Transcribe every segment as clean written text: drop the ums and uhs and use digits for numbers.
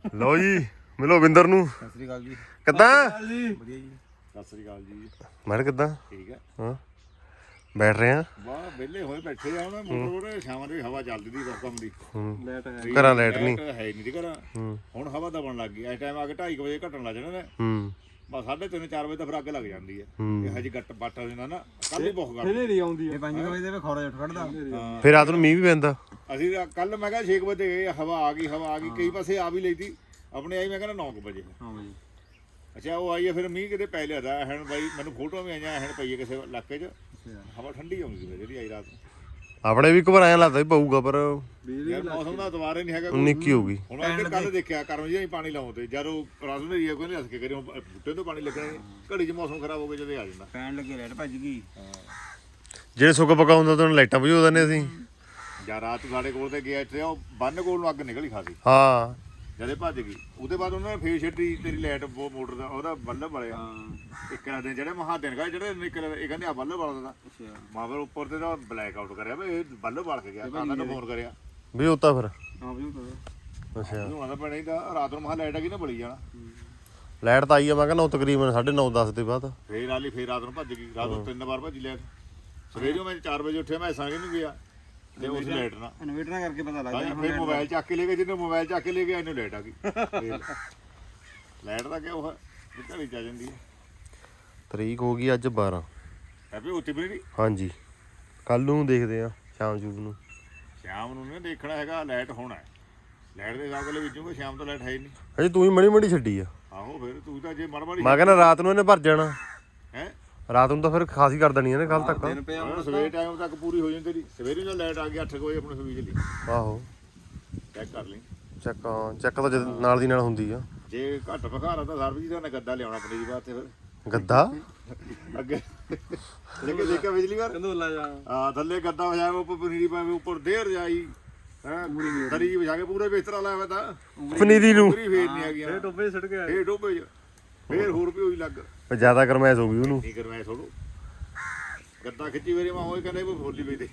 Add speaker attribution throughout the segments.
Speaker 1: ਲਓ ਜੀ ਮਿਲੋ ਵਿੰਦਰ ਨੂੰ।
Speaker 2: ਸਤਿ ਸ੍ਰੀ ਅਕਾਲ ਜੀ।
Speaker 1: ਕਿੱਦਾਂ
Speaker 2: ਵਧੀਆ ਜੀ। ਸਤਿ ਸ੍ਰੀ ਅਕਾਲ ਜੀ।
Speaker 1: ਮੈਂ ਕਿੱਦਾਂ
Speaker 2: ਠੀਕ ਹੈ।
Speaker 1: ਹਾਂ ਬੈਠ ਰਹੇ ਆ।
Speaker 2: ਵਾਹ ਵਿਹਲੇ ਹੋਏ ਬੈਠੇ ਆ ਹੁਣ ਮੋਟਰ ਸ਼ਾਮਾਂ ਦੀ ਹਵਾ ਚੱਲਦੀ ਦੀ ਕੰਮ ਦੀ।
Speaker 1: ਲਾਈਟ ਘਰਾਂ ਲਾਈਟ ਨਹੀਂ
Speaker 2: ਹੈ ਨਹੀਂ ਦੀ ਘਰਾਂ। ਹੁਣ ਹਵਾ ਦਬਣ ਲੱਗ ਗਈ। ਇਸ ਟਾਈਮ ਆ ਕੇ 2:30 ਵਜੇ ਘਟਣ ਲੱਗ ਜਾਣਾ ਨੇ। ਬਸ 3:30 4 ਵਜੇ ਤਾਂ ਫਿਰ ਅੱਗ ਲੱਗ ਜਾਂਦੀ ਹੈ। ਇਹ ਹਜੇ ਗੱਟ ਬੱਟ ਜਾਂਦਾ ਨਾ ਕੱਲ ਹੀ ਬਹੁਤ ਗੱਲ
Speaker 3: ਹਨੇਰੀ ਆਉਂਦੀ ਹੈ।
Speaker 2: 5 ਵਜੇ ਦੇ ਖੌਰਾ ਉੱਠ ਖੜਦਾ।
Speaker 1: ਫਿਰ ਰਾਤ ਨੂੰ ਮੀਂਹ ਵੀ ਪੈਂਦਾ।
Speaker 2: ਅਸੀਂ ਕੱਲ ਮੈਂ ਕਿਹਾ 6 ਵਜੇ ਗਏ ਹਵਾ ਆ ਗਈ ਕਈ ਪਾਸੇ ਆ ਵੀ ਲਈ ਤੀ ਆਪਣੇ ਆਈ ਮੈਂ ਕਹਿੰਦਾ 9 ਵਜੇ। ਹਾਂ ਜੀ। ਅੱਛਾ ਉਹ ਆਈ ਹੈ ਫਿਰ ਮੀਂਹ ਕਿਤੇ ਪੈ ਲਿਆਦਾ ਹੈਣ ਬਾਈ ਮੈਨੂੰ ਫੋਟੋ ਵੀ ਆਈਆਂ ਹੈਣ ਪਈ ਹੈ ਕਿਸੇ ਇਲਾਕੇ 'ਚ ਹਵਾ ਠੰਡੀ ਆਉਂਦੀ ਸੀ ਜਿਹੜੀ ਆਈ ਰਾਤ ਨੂੰ।
Speaker 1: ਆਪਣੇ ਵੀ ਘਬਰਾਇਆ ਲੱਗਦਾ ਵੀ ਪਊਗਾ ਪਰ
Speaker 2: ਯਾਰ ਮੌਸਮ ਦਾ ਦੁਬਾਰਾ ਨਹੀਂ ਹੈਗਾ।
Speaker 1: ਨਿੱਕੀ ਹੋ ਗਈ।
Speaker 2: ਹੁਣ ਅੱਗੇ ਕੱਲ ਦੇਖਿਆ ਕਰਮ ਜੀ ਪਾਣੀ ਲਾਉਂਦੇ ਜਦੋਂ ਰਾਤ ਨੂੰ ਏਰੀਆ ਕੋਈ ਨਹੀਂ ਹੱਸ ਕੇ ਕਰੀ ਬੂਟੇ ਤੋਂ ਪਾਣੀ ਲੱਗਣਾ ਘੜੀ 'ਚ ਮੌਸਮ ਖਰਾਬ ਹੋ ਗਿਆ ਜਦੋਂ ਆ ਜਾਂਦਾ ਪੈਣ ਲੱਗੇ ਰੈਡ ਭੱਜ ਗਈ।
Speaker 1: ਜਿਹੜੇ ਸੁੱਕ ਪਕਾ ਹੁੰਦਾ ਤਾਂ ਲਾਈਟਾਂ ਬੁਝਾ ਦਿੰਦੇ ਅਸੀਂ।
Speaker 2: ਜਾਂ ਰਾਤ ਸਾਡੇ ਕੋਲ ਤੇ ਗਿਆ ਇੱਥੇ ਉਹ ਬੰਨ ਕੋਲ ਨੂੰ ਅੱਗ ਨਿਕਲੀ ਖਾਸੀ।
Speaker 1: ਹਾਂ
Speaker 2: ਜਦੇ ਭੱਜ ਗਈ ਉਹਦੇ ਬਾਅਦ ਉਹਨਾਂ ਨੇ ਫੇਰ ਛੱਡੀ ਤੇਰੀ ਲਾਈਟ ਮੋਟਰ ਦਾ ਉਹਦਾ ਬੱਲਬ ਵਾਲਿਆ ਇੱਕ ਦਿਨ ਜਿਹੜੇ ਮਹਾ ਦਿਨ ਗਏ ਜਿਹੜੇ ਨਿਕਲ ਇਹ ਕਹਿੰਦੇ ਆ ਬੱਲਬ ਵਾਲਾ ਦਾ ਮਾਂ ਫਿਰ ਉੱਪਰ ਤੇ ਤਾਂ ਬਲੈਕ ਆਊਟ ਕਰਿਆ ਵੀ ਇਹ ਬੱਲਬ ਵਾਲ ਕੇ ਗਿਆ ਤਾਂ ਮੈਨੂੰ ਫੋਨ ਕਰਿਆ
Speaker 1: ਵੀ ਉਤਾ ਫਿਰ
Speaker 2: ਹਾਂ ਵੀ
Speaker 1: ਅੱਛਾ
Speaker 2: ਹੁਣ ਤਾਂ ਪੈਣਾ ਹੀ ਤਾਂ ਰਾਤ ਨੂੰ ਮਹਾ ਲਾਈਟ ਆ ਗਈ ਨਾ ਬਲੀ ਜਾਣਾ
Speaker 1: ਲਾਈਟ ਤਾਂ ਆਈ ਆ ਮੈਂ ਕਹਿੰਦਾ ਤਕਰੀਬਨ 9:30 10 ਦੇ ਬਾਅਦ
Speaker 2: ਫੇਰ ਆਲੀ ਫੇਰ ਰਾਤ ਨੂੰ ਭੱਜ ਗਈ ਰਾਤ ਨੂੰ 3 ਵਾਰ ਭੱਜੀ ਲਾਈਟ ਸਵੇਰੇ ਮੈਂ 4 ਵਜੇ ਉੱਠਿਆ ਮੈਂ ਸੰਗ ਨੂੰ ਗਿਆ ਤੇ ਉਸ ਲਾਈਟ ਨਾਲ ਇਨਵੇਟਰ ਕਰਕੇ ਪਤਾ ਲੱਗ ਗਿਆ ਫਿਰ ਮੋਬਾਈਲ ਚੱਕ ਕੇ ਲੈ ਗਏ ਜਿਹਨੇ ਮੋਬਾਈਲ ਚੱਕ ਕੇ ਲੈ ਗਿਆ ਇਹਨੂੰ ਲਾਈਟ ਆ ਗਈ ਲਾਈਟ ਦਾ ਕਿਉਂ ਹੈ ਘੜੀ ਚ ਆ ਜਾਂਦੀ ਹੈ।
Speaker 1: ਤਰੀਕ ਹੋ ਗਈ ਅੱਜ 12
Speaker 2: ਹੈਪੀ ਉੱਤੀ ਬਣੀ
Speaker 1: ਹਾਂਜੀ ਕੱਲ ਨੂੰ ਦੇਖਦੇ ਆ ਸ਼ਾਮ ਨੂੰ
Speaker 2: ਨਹੀਂ ਦੇਖਣਾ ਹੈਗਾ ਲਾਈਟ ਹੋਣਾ ਲਾਈਟ ਦੇ ਹਿਸਾਬ ਨਾਲ ਵਿੱਚੋਂ ਸ਼ਾਮ ਤੋਂ ਲਾਈਟ ਹੈ ਹੀ ਨਹੀਂ
Speaker 1: ਹਜੇ ਤੂੰ ਹੀ ਮੜੀ ਛੱਡੀ ਆ।
Speaker 2: ਆਹੋ ਫਿਰ ਤੂੰ ਤਾਂ ਜੇ ਮੜ
Speaker 1: ਮੈਂ ਕਹਿੰਦਾ ਰਾਤ ਨੂੰ ਇਹਨੇ ਭਰ ਜਾਣਾ
Speaker 2: ਹੈ
Speaker 1: ਰਾਤ ਨੂੰ ਤਾਂ ਫਿਰ ਖਾਸੀ ਕਰ ਦੇਣੀ ਇਹਨੇ ਕੱਲ ਤੱਕ
Speaker 2: ਸਵੇਰੇ ਟਾਈਮ ਤੱਕ ਪੂਰੀ ਹੋ ਜਾਂਦੀ ਤੇਰੀ ਸਵੇਰੇ ਜਦੋਂ ਲਾਈਟ ਆ ਗਈ 8 ਵਜੇ ਆਪਣੇ ਸਵੀਚ ਲਈ
Speaker 1: ਆਹੋ
Speaker 2: ਚੈੱਕ ਕਰ ਲਈ
Speaker 1: ਚੈੱਕ ਤਾਂ ਨਾਲ ਦੀ ਨਾਲ ਹੁੰਦੀ ਆ।
Speaker 2: ਜੇ ਘੱਟ ਬਖਾਰਾ ਤਾਂ ਸਰਬਜੀਤ ਦਾ ਗੱਦਾ ਲਿਆਉਣਾ ਪਨੀਰੀ ਵਾਸਤੇ ਫਿਰ
Speaker 1: ਗੱਦਾ
Speaker 2: ਅੱਗੇ ਦੇਖਿਆ ਬਿਜਲੀ ਵਾਰ
Speaker 3: ਕੰਦੋਲਾ ਜਾ
Speaker 2: ਆ ਥੱਲੇ ਗੱਦਾ ਵਜਾਇਆ ਉੱਪਰ ਪਨੀਰੀ ਪਾਵੇ ਉੱਪਰ ਦੇਰ ਜਾਈ ਹੈ ਦਰੀ ਵਿਛਾ ਕੇ ਪੂਰੇ ਬਿਸਤਰਾ ਲਾਇਆ ਹੋਇਆ ਤਾਂ
Speaker 1: ਪਨੀਰੀ ਨੂੰ
Speaker 2: ਪੂਰੀ ਫੇਰ ਨਹੀਂ ਆ ਗਿਆ
Speaker 3: ਇਹ ਟੋਪੇ ਛੱਡ ਕੇ ਆਏ
Speaker 2: ਫੇਰ ਡੋਬੇ ਫੇਰ ਹੋਰ ਵੀ ਹੋਈ ਲੱਗ
Speaker 1: ਜ਼ਿਆਦਾ ਗਰਮੈਸ਼ ਹੋ ਗਈ ਉਹਨੂੰ
Speaker 2: ਠੀਕ ਕਰਵਾਇਆ ਥੋੜੋ ਗੱਦਾ ਖਿੱਚੀ ਵੇਰੇ ਮੈਂ ਹੋਏ ਕਹਿੰਦੇ ਫੋਲੀ ਵੀ ਦੇ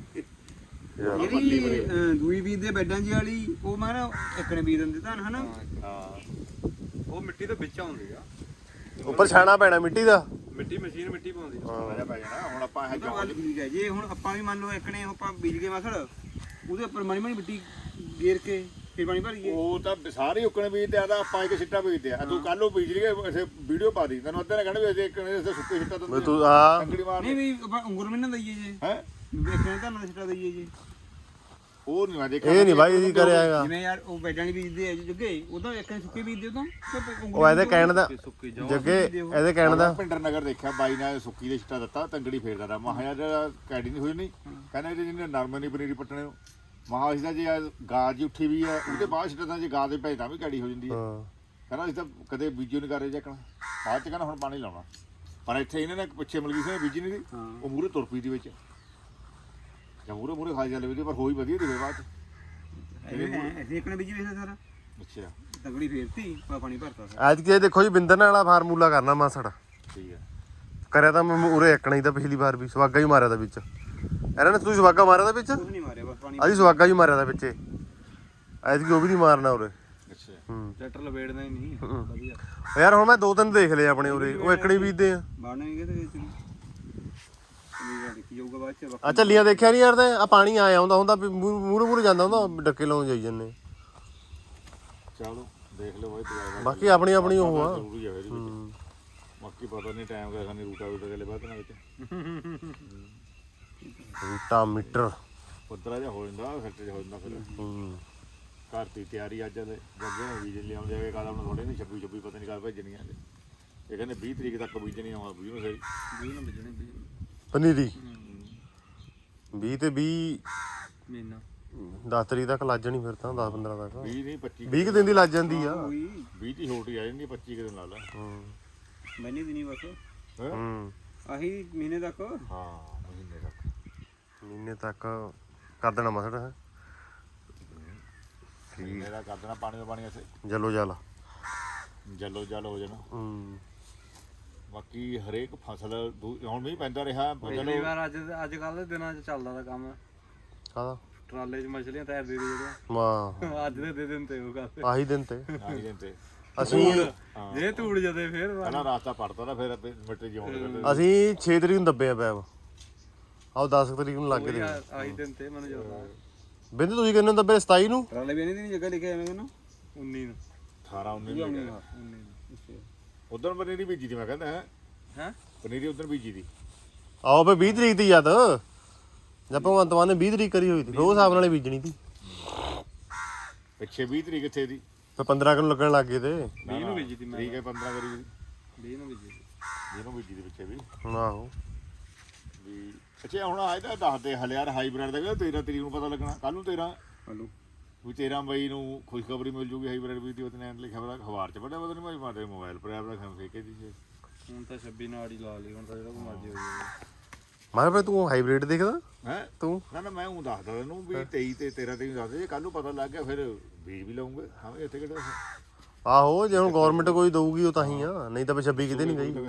Speaker 4: ਜਿਹੜੀ ਦੂਈ ਬੀਜ ਦੇ ਬੈਡਾਂ ਜੀ ਵਾਲੀ ਉਹ ਮੈਂ ਨਾ ਇੱਕ ਨੇ ਬੀਜ ਦਿੰਦੇ ਤਾਂ ਹਨਾ
Speaker 2: ਹਾਂ
Speaker 3: ਉਹ ਮਿੱਟੀ ਦੇ ਵਿੱਚ ਆਉਂਦੀ ਆ
Speaker 1: ਉੱਪਰ ਛਾਣਾ ਪੈਣਾ ਮਿੱਟੀ ਦਾ
Speaker 3: ਮਿੱਟੀ ਮਸ਼ੀਨ ਮਿੱਟੀ ਪਾਉਂਦੀ ਆ
Speaker 2: ਮਜ਼ਾ ਪੈ ਜਾਣਾ ਹੁਣ ਆਪਾਂ ਇਹ
Speaker 4: ਉਹ ਗੱਲ ਠੀਕ ਹੈ ਜੇ ਹੁਣ ਆਪਾਂ ਵੀ ਮੰਨ ਲਓ ਇੱਕ ਨੇ ਆਪਾਂ ਬੀਜ ਗਏ ਮਸੜ ਉਹਦੇ ਉੱਪਰ ਮਾੜੀ ਮਾੜੀ ਮਿੱਟੀ ਗੇਰ ਕੇ ਫਿਰ ਪਾਣੀ ਭਰੀਏ
Speaker 2: ਉਹ ਤਾਂ ਸਾਰੇ ਉੱਕਣੇ ਬੀਜਦੇ ਆ ਤਾਂ ਆਪਾਂ ਇੱਕ ਸਿੱਟਾ ਬੀਜਦੇ ਆ ਤੂੰ ਕੱਲ ਉਹ ਬੀਜ ਲਈ ਇਸੇ ਵੀਡੀਓ ਪਾ ਦੀ ਤੈਨੂੰ ਅੱਧੇ ਨੇ ਕਹਿਣਾ ਵੀ ਅਸੀਂ ਇੱਕ ਨੇ ਸੁੱਕੇ ਸਿੱਟਾ ਦਿੰਦੇ
Speaker 1: ਤੂੰ ਆ
Speaker 2: ਕੰਗੜੀ ਮਾਰ
Speaker 4: ਨਹੀਂ ਵੀ ਆਪਾਂ ਉਂਗਲ ਵੀ ਨਾ ਦਈਏ ਜੇ
Speaker 2: ਹੈ
Speaker 4: ਇੱਕ ਨੇ ਤਾਂ ਸਿੱਟਾ ਦਈਏ ਜੇ
Speaker 2: ਉਹ ਨਹੀਂ ਮੈਂ ਦੇਖਿਆ
Speaker 1: ਇਹ ਨਹੀਂ ਬਾਈ ਅਸੀਂ ਕਰਿਆ ਹੈਗਾ।
Speaker 4: ਜਿਵੇਂ ਯਾਰ ਉਹ ਬੈਡਾਂ ਨਹੀਂ ਬੀਜਦੇ ਆ ਜੱਗੇ ਉਹਦਾ ਇੱਕ ਨੇ ਸੁੱਕੇ ਬੀਜਦੇ ਉਦੋਂ
Speaker 1: ਉਹ ਇਹਦੇ ਕਹਿਣ ਦਾ ਜੱਗੇ ਇਹਦੇ ਕਹਿਣ ਦਾ
Speaker 2: ਪਿੰਡਰ ਨਗਰ ਦੇਖਿਆ ਬਾਈ ਨੇ ਸੁੱਕੀ ਦੇ ਸਿੱਟਾ ਦਿੱਤਾ ਤੰਗੜੀ ਫੇਰਦਾ ਦਾ ਮਹਾ ਯਾਰ ਕੈਡੀ ਨਹੀਂ ਹੋਈ ਨਹੀਂ ਕਹਿੰਦਾ ਇਹਦੇ ਜਿਹਨੇ ਨਰਮੇ ਨਹੀਂ ਪਨੀਰੀ ਪੱਟਣੇ ਨੂੰ ਮਹਾ ਇਸ ਦਾ ਜੇ ਗਾਜ ਜੀ ਉੱਠੀ ਵੀ ਹੈ ਉਹਦੇ ਬਾਅਦ ਸਿੱਟਾ ਤਾਂ ਜੇ ਗਾਜ ਦੇ ਪੈ ਤਾਂ ਵੀ ਕੈਡੀ ਹੋ ਜਾਂਦੀ ਹੈ ਕਹਿੰਦਾ ਅਸੀਂ ਤਾਂ ਕਦੇ ਬੀਜੋ ਨਹੀਂ ਕਰ ਰਹੇ ਜੱਕਣਾ ਬਾਅਦ ਚ ਕਹਿੰਦਾ ਹੁਣ ਪਾਣੀ ਲਾਉਣਾ ਪਰ ਇੱਥੇ ਇਹਨਾਂ ਨੇ ਪਿੱਛੇ ਮਲਗੀ ਸੀ ਬੀਜੀ ਨਹੀਂ ਦੀ ਉਹ ਮੂਰੇ ਤੁਰ ਪਈ ਦੀ ਵਿੱਚ ਜਾਂ ਮੂਰੇ ਖਾ ਜਾਂਦੇ ਵੀ ਪਰ ਹੋਈ ਵਧੀਆ ਦੀ ਬਾਅਦ ਚ
Speaker 4: ਅਸੀਂ ਇੱਕ ਨੇ ਬੀਜੀ ਵੇਖਿਆ ਸਾਰਾ
Speaker 2: ਅੱਛਾ
Speaker 4: ਤਗੜੀ ਫੇਰਤੀ ਪਾਣੀ ਭਰਤਾ
Speaker 1: ਅੱਜ ਕੇ ਦੇਖੋ ਜੀ ਬਿੰਦਰ ਵਾਲਾ ਫਾਰਮੂਲਾ ਕਰਨਾ ਮਾਸੜ
Speaker 2: ਠੀਕ ਹੈ
Speaker 1: ਕਰਿਆ ਤਾਂ ਮੈਂ ਉਰੇ ਇੱਕਣਾ ਹੀ ਤਾਂ ਪਿਛਲੀ ਵਾਰ ਵੀ ਸਵਾਗਾ ਹੀ ਮਾਰਿਆ ਤਾਂ ਵਿੱਚ ਇਹਨਾਂ ਨੇ ਤੁਸੀਂ ਸਵਾਗਾ ਮਾਰਿਆ ਤਾਂ ਵਿੱਚ
Speaker 4: ਕੁਝ ਨਹੀਂ ਮਾਰਿਆ ਬਸ ਪਾਣੀ
Speaker 1: ਅਸੀਂ ਸਵਾਗਾ ਹੀ ਮਾਰਿਆ ਤਾਂ ਵਿੱਚੇ ਐਤਕੀ ਉਹ ਵੀ ਨਹੀਂ ਮਾਰਨਾ ਉਰੇ
Speaker 2: ਅੱਛਾ
Speaker 3: ਟਰੈਕਟਰ ਲਵੇੜਦਾ ਹੀ ਨਹੀਂ ਵਧੀਆ
Speaker 1: ਯਾਰ ਹੁਣ ਮੈਂ 2-3 ਦੇਖ ਲਏ ਆਪਣੇ ਉਰੇ ਉਹ ਇੱਕਣੀ ਬੀਜਦੇ ਆ
Speaker 4: ਬਾੜਨਾ ਨਹੀਂ ਕਿਤੇ ਵਿੱਚ ਦੇਖੀ ਜਾਊਗਾ ਬਾਅਦ ਚ
Speaker 1: ਆ ਝੱਲੀਆਂ ਦੇਖਿਆ ਨਹੀਂ ਯਾਰ ਤੇ ਆ ਪਾਣੀ ਆਇਆ ਹੁੰਦਾ ਹੁੰਦਾ ਮੂਰੇ ਜਾਂਦਾ ਹੁੰਦਾ ਡੱਕੇ ਲਾਉਣ ਜਾਈ ਜੰਨੇ
Speaker 2: ਚਲੋ ਦੇਖ ਲਓ ਬਾਈ ਦੁਬਾਰਾ
Speaker 1: ਬਾਕੀ ਆਪਣੀ ਆਪਣੀ ਉਹ ਆ
Speaker 2: ਜ਼ਰੂਰੀ ਹੈ ਇਹਦੇ ਵਿੱਚ ਬਾਕੀ ਪਤਾ ਨਹੀਂ ਟਾਈਮ ਦਾ ਖਾਨੀ ਰੂਟਾ ਗਲੇ ਬਾਅਦ ਨਾਲ ਵਿੱਚ
Speaker 1: ਰੂਟਾ ਮੀਟਰ
Speaker 2: ਪੁੱਤਰਾ ਜਿਹਾ ਹੋ ਜਾਂਦਾ ਖਰਚੇ ਹੋ ਜਾਂਦਾ ਫਿਰ ਘਰ ਦੀ ਤਿਆਰੀ ਅੱਜ ਦੇ ਜੱਗੇ ਨੇ ਬੀਜ ਲਿਆਉਂਦੇ ਆ ਕਾਲਾ ਨੂੰ ਥੋੜੇ ਨਹੀਂ 26 ਪਤਾ ਨਹੀਂ ਕਦ ਭੇਜਣੀਆਂ ਇਹ ਕਹਿੰਦੇ 20 ਤਰੀਕ ਤੱਕ ਬੀਜਣੀ ਆਉਣਾ 20 ਨੂੰ ਸਹੀ
Speaker 4: 20 ਨੂੰ ਬੀਜਣੇ
Speaker 1: ਪਨੀਰੀ 20 ਤੇ 20
Speaker 4: ਮਹੀਨਾ
Speaker 1: 10 ਤਰੀਕ ਤੱਕ ਲੱਜ ਜਾਣੀ ਫਿਰ ਤਾਂ 10-15 ਤੱਕ
Speaker 2: 20 ਨਹੀਂ 25
Speaker 1: 20 ਦਿਨ ਦੀ ਲੱਜ ਜਾਂਦੀ ਆ
Speaker 2: 20 ਦੀ ਛੋਟੀ ਆ ਜਾਂਦੀ 25 ਦਿਨ ਲਾ ਲਾ
Speaker 4: ਮੈਨੇ ਵੀ ਨਹੀਂ ਬਸ
Speaker 1: ਹੂੰ
Speaker 4: ਆਹੀ ਮਹੀਨੇ ਤੱਕ
Speaker 2: ਹਾਂ
Speaker 1: ਮਹੀਨੇ ਤੱਕ ਕਰ ਦੇਣਾ ਮਸੜ ਹੈ
Speaker 2: ਮਹੀਨੇ ਦਾ ਕਰ ਦੇਣਾ ਪਾਣੀ ਦਾ ਪਾਣੀ ਇੱਥੇ
Speaker 1: ਜਲੋ ਜਲ
Speaker 2: ਜਲ ਹੋ ਜਾਣਾ ਬਾਕੀ ਹਰੇਕ ਫਸਲ ਹੁਣ ਮੀਂਹ ਪੈਂਦਾ ਰਿਹਾ
Speaker 3: ਪਹਿਲੀ ਵਾਰ ਅੱਜ ਕੱਲ ਦੇ ਦਿਨਾਂ 'ਚ ਚੱਲਦਾ ਦਾ ਕੰਮ
Speaker 1: ਕਾਹਦਾ
Speaker 3: ਟਰਾਲੇ 'ਚ ਮਛਲੀਆਂ ਤੈਰ ਦੇ ਜਿਹੜੀਆਂ
Speaker 1: ਵਾਹ
Speaker 3: ਅੱਜ ਦੇ ਦਿਨ ਤੇ ਉਹ ਗੱਲ
Speaker 1: ਆਹੀ ਦਿਨ ਤੇ
Speaker 2: ਆਹੀ ਦਿਨ ਤੇ
Speaker 1: ਅਸੀਂ
Speaker 3: ਜੇ ਧੂੜ ਜਦੇ ਫੇਰ
Speaker 2: ਪਹਿਲਾਂ ਰਾਸਤਾ ਪੜਤਾ ਨਾ ਫਿਰ ਮਿੱਟੇ ਜਿਉਂ ਕਰਦੇ
Speaker 1: ਅਸੀਂ 6 ਤਰੀਕ ਨੂੰ ਦੱਬੇ ਆ ਪੈਪ ਆਓ 10 ਤਰੀਕ ਨੂੰ ਲੱਗ ਗਏ
Speaker 3: ਆਹੀ ਦਿਨ ਤੇ ਮੈਨੂੰ ਜਦੋਂ
Speaker 1: ਬਿੰਦ ਤੁਸੀਂ ਕਿੰਨੇ ਨੂੰ ਦੱਬੇ 27 ਨੂੰ
Speaker 4: ਟਰਾਲੇ ਵੀ ਨਹੀਂ ਜਗ੍ਹਾ ਲਿਖਿਆ ਐਵੇਂ ਕਹਿੰਦਾ
Speaker 3: 19 ਨੂੰ
Speaker 2: 18 19 ਨੂੰ ਲੱਗਿਆ
Speaker 3: 19 ਨੂੰ
Speaker 2: ਉਦੋਂ ਪਨੀਰੀ ਬੀਜੀ ਦੀ ਮੈਂ ਕਹਿੰਦਾ
Speaker 3: ਹੈ
Speaker 2: ਪਨੀਰੀ ਉਦੋਂ ਬੀਜੀ ਦੀ
Speaker 1: ਆਓ ਫੇ 20 ਤਰੀਕ ਦੀ ਯਾਦ ਜਦ ਭਗਵੰਤ ਮਾਨ ਨੇ 20 ਤਰੀਕ ਕਰੀ ਹੋਈ ਸੀ ਉਹ ਹਿਸਾਬ ਨਾਲ ਹੀ ਬੀਜਣੀ ਸੀ
Speaker 2: ਪਿੱਛੇ 20 ਤਰੀਕ ਇੱਥੇ ਦੀ
Speaker 1: ਫੇ 15 ਕਿਲੋ ਲੱਗਣ ਲੱਗ ਗਏ ਤੇ
Speaker 3: 20 ਨੂੰ ਬੀਜੀ ਤੀ ਮੈਂ
Speaker 2: ਠੀਕ ਹੈ 15 ਕਰੀ
Speaker 3: 20 ਨੂੰ ਬੀਜੀ ਤੀ।
Speaker 2: ਜਿਹਨੂੰ ਬੀਜੀ ਦੇ ਪਿੱਛੇ ਵੀ
Speaker 1: ਆਹੋ
Speaker 2: ਵੀ ਅੱਛਾ ਹੁਣ ਆ ਇਹਦਾ ਦੱਸਦੇ ਹਲੇ ਯਾਰ ਹਾਈਬ੍ਰਿਡ ਦਾ ਕਹਿੰਦਾ 13 ਤਰੀਕ ਨੂੰ ਪਤਾ ਲੱਗਣਾ ਕੱਲ ਨੂੰ 13
Speaker 4: ਹਲੋ
Speaker 2: ਵੀ 13 ਮਈ ਨੂੰ ਖੁਸ਼ਖਬਰੀ ਮਿਲ ਜੂਗੀ ਹਾਈਬ੍ਰਿਡ ਵੀ ਦੀ ਉਹਨੇ ਲਿਖਿਆ ਪਤਾ ਅਖਬਾਰ ਚ ਪੜਿਆ ਪਤਾ ਨਹੀਂ ਭਾਈ ਮਾਰੇ ਮੋਬਾਈਲ ਪਰ ਆਪ ਰੱਖਣ ਫੇਕੇ ਦੀ ਸੀ
Speaker 3: ਹੁਣ ਤਾਂ 26 ਨਾਲ ਹੀ ਲਾ ਲਈ ਹੁਣ ਤਾਂ ਜਿਹੜਾ ਕੋ ਮਰਜ਼ੀ ਹੋ ਜਾਵੇ
Speaker 1: ਮੈਂ ਕਿਹਾ ਤੂੰ ਹਾਈਬ੍ਰਿਡ ਦੇਖਦਾ
Speaker 2: ਹੈ
Speaker 1: ਤੂੰ
Speaker 2: ਨਾ ਮੈਂ ਉਹ ਦੱਸਦਾ ਤੈਨੂੰ ਵੀ 23 ਤੇ 13 ਤਰੀਕ ਨੂੰ ਦੱਸਦੇ ਜੇ ਕੱਲ ਨੂੰ ਪਤਾ ਲੱਗ ਗਿਆ ਫਿਰ ਬੀਜ ਵੀ ਲਾਉਂਗੇ ਹਾਂ ਇੱਥੇ ਕਿਹੜਾ
Speaker 1: ਆਹੋ ਜੇ ਹੁਣ ਗਵਰਨਮੈਂਟ ਕੋਈ ਦਊਗੀ ਉਹ ਤਾਂ ਹੀ ਆ ਨਹੀਂ ਤਾਂ 26 ਕਿਤੇ ਨਹੀਂ ਗਈ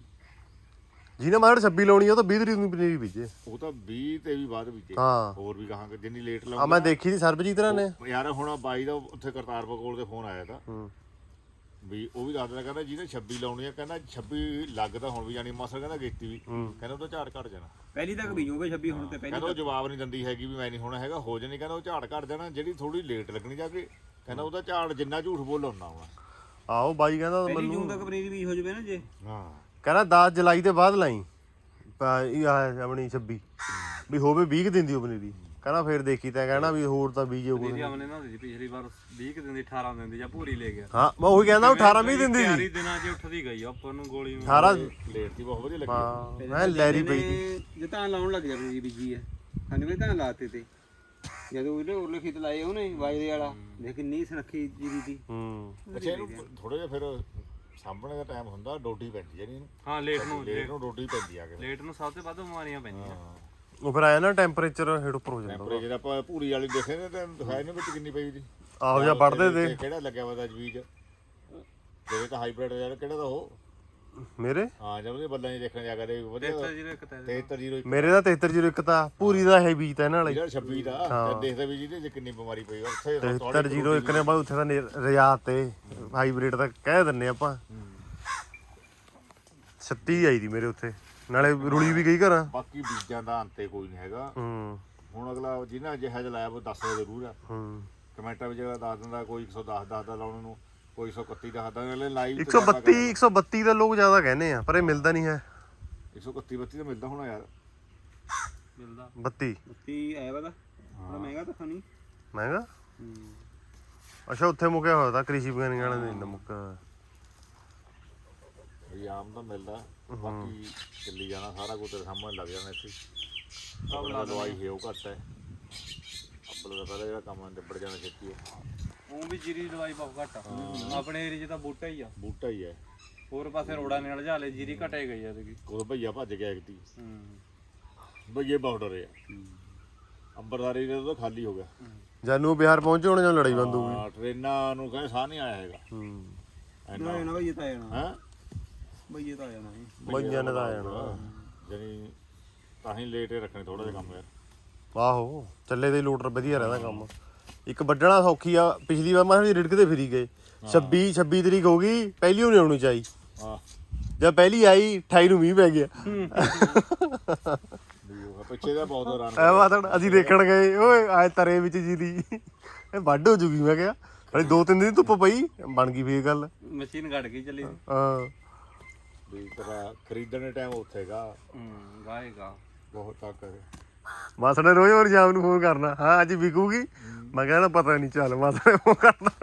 Speaker 1: ਜਿਹਨੇ ਮਾਰ 26 ਲਾਉਣੀ ਆ ਉਹ ਤਾਂ 20 ਤਰੀਕ ਨੂੰ ਪਨੀਰੀ ਬੀਜੇ
Speaker 2: ਉਹ ਤਾਂ 20 ਤੇ ਵੀ ਬਾਅਦ ਬੀਜੇ
Speaker 1: ਹਾਂ
Speaker 2: ਹੋਰ ਵੀ ਕਹਾਂਗੇ ਜਿੰਨੀ ਲੇਟ
Speaker 1: ਆ
Speaker 2: ਲਾਉਂਗੇ
Speaker 1: ਮੈਂ ਦੇਖੀ ਸੀ ਸਰਬਜੀਤ ਰਾਂ ਨੇ
Speaker 2: ਯਾਰ ਹੁਣ ਬਾਈ ਦਾ ਉੱਥੇ ਕਰਤਾਰਪੁਰ ਕੋਲ ਤੇ ਫੋਨ ਆਇਆ ਤਾਂ
Speaker 1: ਹੂੰ
Speaker 2: ਵੀ ਉਹ ਵੀ ਦੱਸਦਾ ਕਹਿੰਦਾ ਜਿਹਨੇ 26 ਲਾਉਣੀ ਆ ਕਹਿੰਦਾ 26 ਲੱਗਦਾ ਹੁਣ ਵੀ ਜਾਨੀ ਮਾਸਰ ਕਹਿੰਦਾ ਗੇਤੀ ਵੀ ਕਹਿੰਦਾ ਉਹਦਾ ਝਾੜ ਘਟ ਜਾਣਾ
Speaker 4: ਪਹਿਲੀ ਤੱਕ ਬੀਜੋਗੇ 26 ਹੁਣ ਤੇ ਪਹਿਲੀ
Speaker 2: ਕਹਿੰਦਾ ਉਹ ਜਵਾਬ ਨਹੀਂ ਦਿੰਦੀ ਹੈਗੀ ਵੀ ਮੈਂ ਨਹੀਂ ਹੋਣਾ ਹੈਗਾ ਹੋ ਜਾਣੀ ਕਹਿੰਦਾ ਉਹ ਝਾੜ ਘਟ ਜਾਣਾ ਜਿਹੜੀ ਥੋੜੀ ਲੇਟ ਲੱਗਣੀ ਜਾ ਕੇ ਕਹਿੰਦਾ ਉਹਦਾ ਝਾੜ ਜਿੰਨਾ ਝੂਠ ਬੋਲ ਹੁੰਦਾ ਹੋਣਾ
Speaker 1: ਆਹੋ ਬਾਈ ਕਹਿੰਦਾ
Speaker 4: ਪਹਿਲੀ
Speaker 1: ਮੈਨੂੰ
Speaker 4: ਜੂਨ ਤੱਕ ਪਨੀਰੀ ਬੀਜ ਹੋ ਜਾਵੇ ਨਾ ਜੇ
Speaker 2: ਹਾਂ
Speaker 1: ਕਹਿੰਦਾ 10 ਜੁਲਾਈ ਦੇ ਬਾਅਦ ਲਾਈ ਇਹ ਆਪਣੀ 26 ਵੀ ਹੋਵੇ 20 ਕੁ ਦਿਨ ਦੀ ਉਹ ਪਨੀਰੀ ਕਹਿੰਦਾ ਫੇਰ ਦੇਖੀ ਤਾਂ ਕਹਿਣਾ ਵੀ ਹੋਰ ਤਾਂ ਬੀਜੇ ਕੋਈ
Speaker 3: ਦੀਦੀ ਆਮਨੇ ਨਾ ਦੀ ਪਿਛਲੀ ਵਾਰ 20 ਕਿ ਦਿਨ ਦੀ 18 ਦਿਨ ਦੀ ਜਾਂ ਪੂਰੀ ਲੈ ਗਿਆ
Speaker 1: ਹਾਂ ਮੈਂ ਉਹੀ ਕਹਿੰਦਾ 18 20 ਦਿਨ ਦੀ
Speaker 3: ਤਿਆਰੀ ਦਿਨਾਂ 'ਚ ਉੱਠਦੀ ਗਈ ਆਪਾਂ ਨੂੰ ਗੋਲੀ
Speaker 1: 18
Speaker 2: ਲੇਟ ਦੀ ਬਹੁਤ ਵਧੀਆ ਲੱਗੀ
Speaker 1: ਹਾਂ ਮੈਂ ਲੈਰੀ ਪਈ ਸੀ
Speaker 4: ਜੇ ਤਾਂ ਲਾਉਣ ਲੱਗ ਗਿਆ ਪਨੀਰੀ ਬੀਜੀ ਹੈ ਸਾਨੂੰ ਵੀ ਤਾਂ ਲਾਤੇ ਤੇ ਜਦੋਂ ਉਹਨੇ ਉਰਲੇ ਖੇਤ ਲਾਏ ਉਹਨੇ ਵਾਜਰੇ ਵਾਲਾ ਦੇਖ ਕਿੰਨੀ ਸੁਨੱਖੀ ਜੀਰੀ ਦੀ
Speaker 1: ਹੂੰ
Speaker 2: ਅੱਛਾ ਇਹਨੂੰ ਥੋੜਾ ਜਿਹਾ ਫਿਰ ਸਾਂਭਣੇ ਦਾ ਟਾਈਮ ਹੁੰਦਾ ਡੋਡੀ ਪੈਂਦੀ ਜਿਹੜੀ ਇਹਨੂੰ
Speaker 3: ਹਾਂ ਲੇਟ ਨੂੰ
Speaker 2: ਡੋਡੀ ਪੈਂਦੀ ਆ ਕੇ
Speaker 3: ਲੇਟ ਨੂੰ ਸਭ ਤੋਂ ਵੱਧ ਬਿਮਾਰੀਆਂ ਪੈਂਦੀਆਂ
Speaker 1: ਉਹ ਫਿਰ ਆਇਆ ਨਾ ਟੈਂਪਰੇਚਰ ਹੇਠ ਉੱਪਰ ਹੋ ਜਾਂਦਾ
Speaker 2: ਟੈਂਪਰੇਚਰ ਆਪਾਂ ਭੂਰੀ ਵਾਲੀ ਦੇਖੇ ਨੇ ਤਾਂ ਦਿਖਾਇਆ ਨਹੀਂ ਵਿੱਚ ਕਿੰਨੀ ਪਈ ਦੀ
Speaker 1: ਆਹੋ ਜਾਂ ਵੜਦੇ ਤੇ
Speaker 2: ਕਿਹੜਾ ਲੱਗਿਆ ਵਾ ਬੀਜ ਤੇਰੇ ਤਾਂ ਹਾਈਬ੍ਰਿਡ ਯਾਰ ਕਿਹੜਾ ਦਾ ਉਹ
Speaker 1: ਮੇਰੇ
Speaker 2: ਹਾਂ ਜਦ ਉਹਦੇ ਬੱਲਾਂ 'ਚ ਦੇਖਣ ਜਾ ਕੇ ਵਧੀਆ 7301
Speaker 1: ਮੇਰੇ ਦਾ 7301 ਤਾਂ ਪੂਰੀ ਦਾ ਹੈ ਬੀਜ ਤਾਂ ਇਹਨਾਂ ਵਾਲੇ
Speaker 2: ਜਿਹੜਾ 26 ਦਾ ਤੇ ਦੇਖਦਾ ਵੀ ਜਿਹਦੇ 'ਚ ਕਿੰਨੀ ਬਿਮਾਰੀ ਪਈ ਆ ਉੱਥੇ
Speaker 1: 7301 ਨੇ ਬਾਅਦ ਉੱਥੇ ਤਾਂ ਰਿਆਤ ਤੇ ਹਾਈਬ੍ਰਿਡ ਤਾਂ ਕਹਿ ਦਿੰਨੇ ਆਪਾਂ 36 ਆਈ ਦੀ ਮੇਰੇ ਉੱਥੇ ਨਾਲੇ ਰੁਲੀ ਵੀ ਗਈ ਘਰਾਂ
Speaker 2: ਬਾਕੀ ਬੀਜਾਂ ਦਾ ਅੰਤੇ ਕੋਈ ਨਹੀਂ ਹੈਗਾ
Speaker 1: ਹੂੰ
Speaker 2: ਹੁਣ ਅਗਲਾ ਜਿਹਨਾਂ ਜਿਹਾ ਜਿਹਾ ਲਾਇਆ ਉਹ ਦੱਸਦਾ ਜ਼ਰੂਰ ਆ
Speaker 1: ਹੂੰ
Speaker 2: ਕਮੈਂਟਾਂ ਵਿੱਚ ਦੱਸ ਦਿੰਦਾ ਕੋਈ 110 ਦੱਸਦਾ ਲਾਉਣ ਨੂੰ ਕੋਈ 131 ਦੱਸਦਾ ਅਗਲੇ ਲਾਈਵ
Speaker 1: 132 ਦਾ ਲੋਕ ਜ਼ਿਆਦਾ ਕਹਿੰਦੇ ਆ ਪਰ ਇਹ ਮਿਲਦਾ ਨਹੀਂ ਹੈ
Speaker 2: 131 ਤਾਂ ਮਿਲਦਾ ਹੋਣਾ ਯਾਰ
Speaker 3: ਮਿਲਦਾ
Speaker 1: 32
Speaker 4: ਉੱਤੀ ਆਇਆ ਵਾ ਤਾਂ ਬੜਾ ਮਹਿੰਗਾ ਤਾਂ ਖਾਣੀ
Speaker 1: ਮਹਿੰਗਾ ਅੱਛਾ ਉੱਥੇ ਮੁੱਕਿਆ ਹੋਇਆ ਤਾਂ ਕ੍ਰਿਸ਼ੀ ਵਿਗਿਆਨੀ ਵਾਲੇ ਦੇ ਮੁੱਕਾ
Speaker 2: ਵੀ ਆਮ ਤਾਂ ਮਿਲਦਾ ਬਾਕੀ ਚੱਲੀ ਜਾਣਾ ਸਾਰਾ ਕੁਝ ਤੇਰੇ ਸਾਹਮਣੇ ਲੱਗ ਜਾਣਾ ਇੱਥੇ ਸਭ ਨਾਲ ਦਵਾਈ ਹੈ ਉਹ ਘੱਟ ਹੈ ਅੱਬਲ ਦਾ ਪਹਿਲਾਂ ਜਿਹੜਾ ਕੰਮ ਨਿਬੜ ਜਾਣਾ ਛੇਤੀ ਹੈ
Speaker 3: ਉਹ ਵੀ ਜੀਰੀ ਦੀ ਦਵਾਈ ਬਹੁਤ ਘੱਟ ਆ ਆਪਣੇ ਏਰੀਏ 'ਚ ਤਾਂ ਬੂਟਾ ਹੀ ਆ
Speaker 2: ਬੂਟਾ ਹੀ ਹੈ
Speaker 3: ਹੋਰ ਪਾਸੇ ਰੋੜਾ ਨੇ ਲਜਾ ਲੈ ਜੀਰੀ ਘਟੇ ਗਈ ਆ ਇਹਦੀ
Speaker 2: ਉਹ ਭਈਆ ਭੱਜ ਗਿਆ ਇੱਕਤੀ
Speaker 3: ਹੂੰ
Speaker 2: ਭਈਏ ਬਹੁਤ ਡਰੇ ਆ ਅੰਬਰਦਾਰੀ ਦੇ ਤਾਂ ਖਾਲੀ ਹੋ ਗਿਆ
Speaker 1: ਜਾਨੂੰ ਬਿਹਾਰ ਪਹੁੰਚੇ ਹੋਣੇ ਜਾਂ ਲੜਾਈ ਬੰਦ ਹੋ ਗਈ
Speaker 2: ਹਾਂ ਟ੍ਰੇਨਾਂ ਨੂੰ ਕਹਿੰਦੇ ਸਾਹ ਨਹੀਂ ਆਇਆ ਹੈਗਾ
Speaker 1: ਹੂੰ
Speaker 2: ਇੰਨਾ
Speaker 4: ਨਾ ਬਈ ਇਹ ਤਾਂ ਆ ਜਾਣਾ
Speaker 2: ਹੈ
Speaker 4: ਬਈ ਇਹ ਤਾਂ ਆ ਜਾਣਾ
Speaker 1: ਬਈਆਂ ਨੇ ਤਾਂ ਆ ਜਾਣਾ
Speaker 2: ਜਾਨੀ ਤਾਂ ਹੀ ਲੇਟ ਰੱਖਣੇ ਥੋੜਾ ਜਿਹਾ ਕੰਮ ਯਾਰ
Speaker 1: ਆਹੋ ਚੱਲੇ ਦੇ ਲੋਟਰ ਵਧੀਆ ਰਹਿੰਦਾ ਕੰਮ ਇੱਕ ਵੱਢਣਾ ਸੌਖੀ ਆ ਪਿਛਲੀ ਵਾਰ ਮੈਂ ਰਿੜਕਦੇ ਫਿਰੀ ਗਏ 26 ਤਰੀਕ ਹੋ ਗਈ ਪਹਿਲੀ ਉਹ ਨਹੀਂ ਆਉਣੀ ਚਾਹੀ
Speaker 2: ਹਾਂ
Speaker 1: ਜਦ ਪਹਿਲੀ ਆਈ 28 ਨੂੰ ਮੀਂਹ ਪੈ ਗਿਆ
Speaker 2: ਪਿੱਛੇ ਦਾ ਬਹੁਤ ਰਨ
Speaker 1: ਐ ਬਾਤ ਅਸੀਂ ਦੇਖਣ ਗਏ ਓਏ ਆਏ ਤਰੇ ਵਿੱਚ ਜੀ ਦੀ ਇਹ ਵੱਢ ਹੋ ਜੂਗੀ ਮੈਂ ਕਿਹਾ ਹਲੇ 2-3 ਦਿਨ ਧੁੱਪ ਪਈ ਬਣ ਗਈ ਫੇਰ ਗੱਲ
Speaker 3: ਮਸ਼ੀਨ ਘੜ ਗਈ ਚੱਲੀ
Speaker 1: ਹਾਂ
Speaker 2: ਵੀ ਤੇਰਾ ਖਰੀਦਣ ਦੇ ਟਾਈਮ ਉੱਥੇਗਾ
Speaker 3: ਗਾਏਗਾ
Speaker 2: ਬਹੁਤ ਤੱਕ
Speaker 1: ਮਾਸੜੇ ਰੋਜ਼ ਹੋਰ ਸ਼ਾਮ ਨੂੰ ਫੋਨ ਕਰਨਾ ਹਾਂ ਅੱਜ ਵਿਕੂਗੀ ਮੈਂ ਕਹਿੰਦਾ ਪਤਾ ਨਹੀਂ ਚੱਲ ਮਾਸੜੇ ਫੋਨ ਕਰਦਾ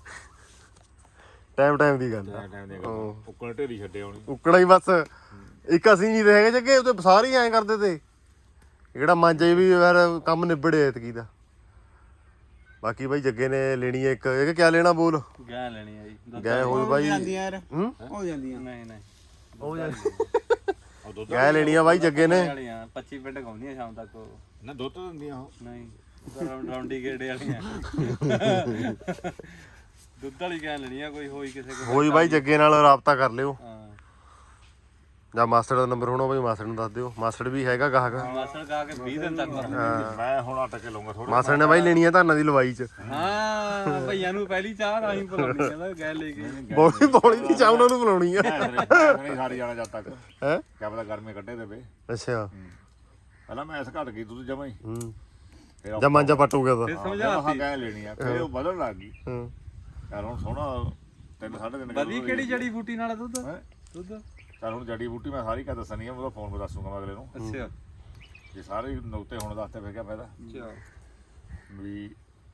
Speaker 1: ਟਾਈਮ ਦੀ ਗੱਲ ਆ
Speaker 2: ਟਾਈਮ ਦੇ ਉੱਕਣ ਢੇਰੀ ਛੱਡੇ ਆਉਣੀ
Speaker 1: ਉੱਕੜਾ ਹੀ ਬਸ ਇੱਕ ਅਸੀਂ ਨਹੀਂ ਰਹੇ ਜੱਗੇ ਉਹਦੇ ਸਾਰੇ ਐਂ ਕਰਦੇ ਤੇ ਜਿਹੜਾ ਮਾਂਜੇ ਵੀ ਯਾਰ ਕੰਮ ਨਿਬੜੇ ਐਤਕੀ ਦਾ ਬਾਕੀ ਬਾਈ ਜੱਗੇ ਨੇ ਲੈਣੀ ਹੈ ਇੱਕ ਇਹ ਕਿਆ ਲੈਣਾ ਬੋਲ
Speaker 3: ਗਾਂ ਲੈਣੀ ਆ ਜੀ
Speaker 1: ਗਏ ਹੋਏ ਬਾਈ
Speaker 4: ਜਾਂਦੀਆਂ ਯਾਰ
Speaker 1: ਹੂੰ
Speaker 4: ਹੋ ਜਾਂਦੀਆਂ
Speaker 3: ਨਹੀਂ ਨਹੀਂ
Speaker 1: ਉਹ ਯਾਰ
Speaker 2: ਉਹ ਦੁੱਧ
Speaker 1: ਗਏ ਲੈਣੀ ਆ ਬਾਈ ਜੱਗੇ ਨੇ
Speaker 3: ਵਾਲੀਆਂ 25 ਮਿੰਟ ਗਾਉਂਦੀਆਂ ਸ਼ਾਮ ਤੱਕ ਉਹ
Speaker 2: ਨਾ ਦੁੱਧ ਦਿੰਦੀਆਂ ਉਹ
Speaker 3: ਨਹੀਂ ਰਾਉਂਡੀ ਗੇੜੇ ਵਾਲੀਆਂ ਦੁੱਧ ਵਾਲੀ ਗਾਂ ਲੈਣੀ ਆ ਕੋਈ ਹੋਈ ਕਿਸੇ ਕੋਲ
Speaker 1: ਹੋਈ ਬਾਈ ਜੱਗੇ ਨਾਲ ਰਾਬਤਾ ਕਰ ਲਿਓ
Speaker 3: ਹਾਂ
Speaker 1: ਜਾਂ ਮਾਸਟਰ ਦਾ ਨੰਬਰ ਹੋਣਾ ਬਈ ਮਾਸਟਰ ਨੂੰ ਦੱਸ ਦਿਓ। ਮਾਸਟਰ ਵੀ ਹੈਗਾ ਗਾਹਕ।
Speaker 3: ਮਾਸਟਰ ਕਹਾ ਕੇ 20 ਦਿਨ ਤੱਕ
Speaker 2: ਮੈਂ ਹੁਣ ਅਟਕ ਕੇ ਲਊਂਗਾ ਥੋੜਾ।
Speaker 1: ਮਾਸਟਰ ਨੇ ਬਾਈ ਲੈਣੀ ਆ ਧਾਨਾਂ ਦੀ ਲਵਾਈ ਚ।
Speaker 3: ਹਾਂ ਭਈਆਂ ਨੂੰ ਪਹਿਲੀ ਚਾਹ ਰਾਹੀਂ ਪਲਾਉਣੀ ਕਹਿੰਦਾ ਗਏ ਲੈ ਕੇ
Speaker 1: ਬੋਲੀ ਦੀ ਚਾਹ ਉਹਨਾਂ ਨੂੰ ਬੁਲਾਉਣੀ ਆ
Speaker 2: ਨਹੀਂ ਸਾਰੀ ਜਾਣਾ ਜਦ ਤੱਕ
Speaker 1: ਹੈ।
Speaker 2: ਕਿਆ ਪਤਾ ਗਰਮੀ ਕੱਢੇ ਦੇਵੇ।
Speaker 1: ਅੱਛਾ
Speaker 2: ਪਹਿਲਾਂ ਮੈਂ ਇਸ ਘਟ ਗਈ ਦੁੱਧ ਜਮਾ ਹੀ।
Speaker 1: ਹੂੰ
Speaker 2: ਫਿਰ
Speaker 1: ਜਾਂ ਮਾਂਜਾ ਪੱਟੂਗਾ ਤਾਂ
Speaker 2: ਸਮਝਾ ਗਏ ਲੈਣੀ ਆ ਫਿਰ ਉਹ ਬਦਲਣ ਲੱਗ ਗਈ।
Speaker 1: ਹੂੰ
Speaker 2: ਯਾਰ ਹੁਣ ਸੋਹਣਾ 3.5
Speaker 3: ਵਧੀ ਕਿਹੜੀ ਜੜੀ ਬੂਟੀ ਨਾਲ ਦੁੱਧ ਦੁੱਧ
Speaker 2: ਚੱਲ ਹੁਣ ਜੜੀ ਬੂਟੀ ਮੈਂ ਸਾਰੀ ਕਾ ਦੱਸਣੀ ਆ ਉਹਦਾ ਫੋਨ 'ਤੇ ਦੱਸੂਗਾ ਮੈਂ ਅਗਲੇ ਨੂੰ।
Speaker 3: ਅੱਛਾ
Speaker 2: ਜੇ ਸਾਰੇ ਨੁਕਤੇ ਹੁਣ ਦੱਸਤੇ ਫਿਰ ਕਿਆ ਫਾਇਦਾ
Speaker 3: ਅੱਛਾ
Speaker 2: ਵੀ।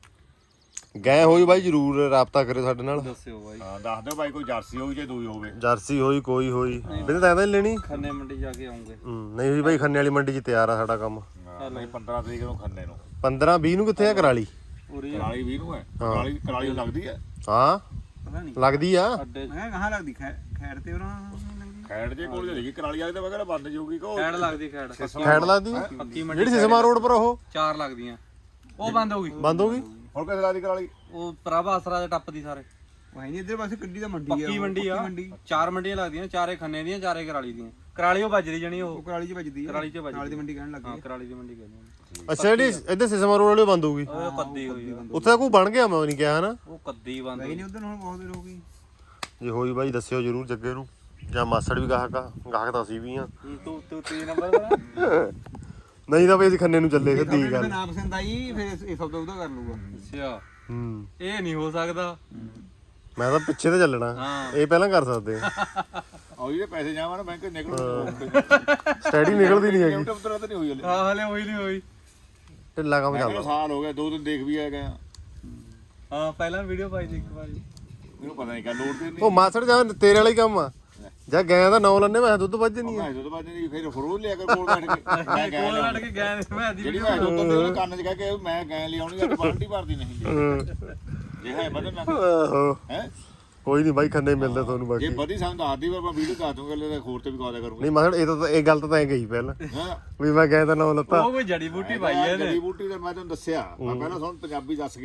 Speaker 1: ਗਏ ਹੋਈ ਬਾਈ ਜਰੂਰ ਰਾਬਤਾ ਕਰਿਓ ਸਾਡੇ ਨਾਲ।
Speaker 3: ਦੱਸਿਓ ਬਾਈ
Speaker 2: ਹਾਂ ਦੱਸ ਦਿਓ ਬਾਈ ਕੋਈ ਜਰਸੀ ਹੋਈ ਜੇ ਦੂਈ ਹੋਵੇ।
Speaker 1: ਜਰਸੀ ਹੋਈ ਕੋਈ ਹੋਈ ਬਿੰਦ ਤਾਂ ਨਹੀਂ ਲੈਣੀ।
Speaker 3: ਖੰਨੇ ਮੰਡੀ ਜਾ ਕੇ ਆਉਂਗੇ।
Speaker 1: ਨਹੀਂ ਹੋਈ ਬਾਈ ਖੰਨੇ ਵਾਲੀ ਮੰਡੀ 'ਚ ਤਿਆਰ ਆ ਸਾਡਾ ਕੰਮ।
Speaker 2: ਨਹੀਂ 15 ਤਰੀਕ ਨੂੰ ਖੰਨੇ ਨੂੰ।
Speaker 1: 15 20 ਨੂੰ ਕਿੱਥੇ ਆ ਕਰਾਲੀ?
Speaker 3: ਉਰੀ
Speaker 2: ਕਰਾਲੀ 20 ਨੂੰ ਹੈ। ਕਰਾਲੀ ਨੂੰ ਲੱਗਦੀ ਹੈ।
Speaker 1: ਹਾਂ
Speaker 4: ਪਤਾ ਨਹੀਂ
Speaker 1: ਲੱਗਦੀ ਆ।
Speaker 3: ਅੱਡੇ
Speaker 4: ਮੈਂ ਕਹਾਂ ਲੱਗਦੀ ਖੈੜ ਤੇ ਉਹਨਾਂ
Speaker 2: ਖੈੜ ਜੇ ਕੋਲ ਜਿਹੜੀ ਕਰਾਲੀ ਵਾਲੇ ਤਾਂ ਵਗੈਰਾ ਬੰਦ ਜਾਊਗੀ ਕੋ।
Speaker 3: ਖੈੜ ਲੱਗਦੀ ਖੈੜ
Speaker 1: ਖੈੜ ਲੱਗਦੀ
Speaker 3: ਪੱਕੀ ਮੰਡੀ
Speaker 1: ਜਿਹੜੀ ਸਿਸਮਾ ਰੋਡ ਪਰ ਉਹ
Speaker 3: 4 ਲੱਗਦੀਆਂ ਉਹ ਬੰਦ ਹੋ ਗਈ
Speaker 1: ਬੰਦ ਹੋ ਗਈ।
Speaker 2: ਹੁਣ ਕਿੱਥੇ ਲੱਗਦੀ ਕਰਾਲੀ?
Speaker 3: ਉਹ ਪ੍ਰਭ ਆਸਰਾ ਦੇ ਟੱਪ ਦੀ ਸਾਰੇ
Speaker 4: ਵਾਹੀ ਨਹੀਂ ਇੱਧਰ ਪਾਸੇ ਕੱਢੀ ਦਾ ਮੰਡੀ ਆ
Speaker 3: ਪੱਕੀ ਮੰਡੀ ਆ 4 ਮੰਡੀਆਂ ਲੱਗਦੀਆਂ 4 ਖੰਨੇ ਦੀਆਂ 4 ਕਰਾਲੀ ਦੀਆਂ। ਕਰਾਲੀ ਉਹ ਵੱਜਦੀ ਜਣੀ ਉਹ
Speaker 4: ਕਰਾਲੀ 'ਚ ਵੱਜਦੀ ਆ
Speaker 3: ਕਰਾਲੀ 'ਚ ਵੱਜਦੀ
Speaker 4: ਨਾਲ ਦੀ ਮੰਡੀ ਕਹਿਣ ਲੱਗ
Speaker 3: ਹਾਂ
Speaker 4: ਗਈ।
Speaker 3: ਕਰਾਲੀ ਦੀ ਮੰਡੀ ਕਹਿੰਦੇ
Speaker 1: ਅੱਛਾ ਜਿਹੜੀ ਇੱਧਰ ਸਿਸਮਾ ਰੋਡ ਵਾਲੀ ਬੰਦ ਹੋ ਗਈ।
Speaker 3: ਉਹ ਕੱਦੀ ਹੋਈ ਆ।
Speaker 1: ਉੱਥੇ ਕੋਈ ਬਣ ਗਿਆ ਮੈਂ ਨਹੀਂ ਕਿਹਾ ਹਨਾ।
Speaker 3: ਉਹ ਕੱਦੀ ਬੰਦ
Speaker 4: ਗਈ ਨਹੀਂ ਉਧਰ ਹੁਣ ਬਹੁਤ ਦੇਰ ਹੋ ਗਈ।
Speaker 1: ਜੇ ਹੋਈ ਬਾਈ ਦੱਸਿਓ ਜਰੂਰ ਜੱਗੇ ਨੂੰ ਜਾਂ ਮਾਸੜ ਵੀ ਗਾਹਕ ਆ। ਗਾਹਕ ਤਾਂ ਅਸੀਂ ਵੀ ਆ।
Speaker 3: ਤੂੰ 3 ਨੰਬਰ ਦਾ
Speaker 1: ਨਹੀਂ ਤਾਂ ਬਈ ਅਸੀਂ ਖੰਨੇ ਨੂੰ ਚੱਲੇ ਸਿੱਧੀ
Speaker 4: ਜੇ
Speaker 1: ਗੱਲ।
Speaker 4: ਨਾ ਪਸੰਦ ਆਈ ਫਿਰ ਇਹ ਸੌਦਾ ਉਹਦਾ ਕਰ ਲੂਗਾ।
Speaker 3: ਅੱਛਾ
Speaker 1: ਹੂੰ
Speaker 3: ਇਹ ਨਹੀਂ ਹੋ ਸਕਦਾ।
Speaker 1: ਮੈਂ ਤਾਂ ਪਿੱਛੇ ਤੇ ਚੱਲਣਾ।
Speaker 3: ਹਾਂ
Speaker 1: ਇਹ ਪਹਿਲਾਂ ਕਰ ਸਕਦੇ ਆ।
Speaker 2: ਉਹ ਜਿਹੜੇ ਪੈਸੇ ਜਾਵਾਂ ਨਾ ਬੈਂਕ ਨਿਕਲ
Speaker 1: ਸਟੈਡੀ ਨਿਕਲਦੀ ਨਹੀਂ ਹੈਗੀ।
Speaker 2: ਉਤਰਾ ਤਾਂ ਨਹੀਂ ਹੋਈ ਹਲੇ।
Speaker 3: ਹਾਂ ਹਲੇ ਹੋਈ ਨਹੀਂ ਹੋਈ।
Speaker 1: ਢਿੱਲਾ ਕੰਮ
Speaker 2: ਮੈਂ
Speaker 1: ਚੱਲਦਾ।
Speaker 2: ਕਿਹਾ ਸਾਲ ਹੋ ਗਿਆ 2 ਦਿਨ ਦੇਖ ਵੀ ਆ ਗਿਆ।
Speaker 3: ਹਾਂ ਪਹਿਲਾਂ ਵੀਡੀਓ ਪਾਈ ਸੀ ਇੱਕ ਵਾਰੀ।
Speaker 2: ਮੈਨੂੰ ਪਤਾ ਨਹੀਂ ਕਿਆ ਲੋੜ ਤੇ ਨਹੀਂ।
Speaker 1: ਉਹ ਮਾਸੜ ਜਾਂ ਤੇਰੇ ਵਾਲਾ ਹੀ ਕੰਮ ਆ। ਜਾਂ ਗਾਂ ਦਾ ਨਾਂ ਲੈਣੇ ਮੈਂ ਦੁੱਧ ਵੱਜ ਨਹੀਂ ਆ।
Speaker 2: ਮੈਂ ਜਦੋਂ ਬਾਅਦ ਨਹੀਂ ਫਿਰ ਫਰੂਟ ਲਿਆ ਕੇ ਕੋਲ ਬੈਠ ਕੇ ਮੈਂ ਗਿਆ
Speaker 3: ਕੋਲ ਲੜ ਕੇ ਗਏ ਮੈਂ ਦੀ
Speaker 2: ਜਿਹੜੀ ਮੈਂ ਦੁੱਧ ਦੇ ਕੰਨ 'ਚ ਕਹਿ ਕੇ ਮੈਂ ਗੈਂ ਲਿਆਉਣੀ ਆ ਬਾਲਟੀ ਭਰਦੀ ਨਹੀਂ ਜੇ ਹੈ ਬਦਲ ਨਾ
Speaker 1: ਆਹੋ
Speaker 2: ਹੈ।
Speaker 1: ਕੋਈ ਨਹੀਂ ਬਾਈ ਖੰਨੇ ਮਿਲਦਾ ਤੁਹਾਨੂੰ
Speaker 2: ਜੇ
Speaker 1: ਬਾਕੀ।
Speaker 2: ਵਧੀ ਸਾਨੂੰ ਦੱਸਦੀ ਪਰ ਮੈਂ ਵੀਡੀਓ ਦੱਸ ਦੂੰਗਾ ਲੈ ਖੋਰ ਤੇ ਵੀ ਕਾ ਦਿਆ ਕਰੂੰਗਾ।
Speaker 1: ਨਹੀਂ ਮਾਸੜ ਇਹ ਗੱਲ ਤਾਂ ਐ ਗਈ ਪਹਿਲਾਂ
Speaker 2: ਹਾਂ
Speaker 1: ਵੀ ਮੈਂ ਗਾਂ ਦਾ ਨਾਂ ਲੱਤਾ।
Speaker 3: ਉਹ ਕੋਈ ਜੜੀ ਬੂਟੀ ਪਾਈ ਹੈ
Speaker 2: ਜੜੀ ਬੂਟੀ ਦਾ ਮੈਂ ਤੁਹਾਨੂੰ ਦੱਸਿਆ ਮੈਂ ਪਹਿਲਾਂ ਤੁਹਾਨੂੰ ਪੰਜਾਬੀ ਦੱਸ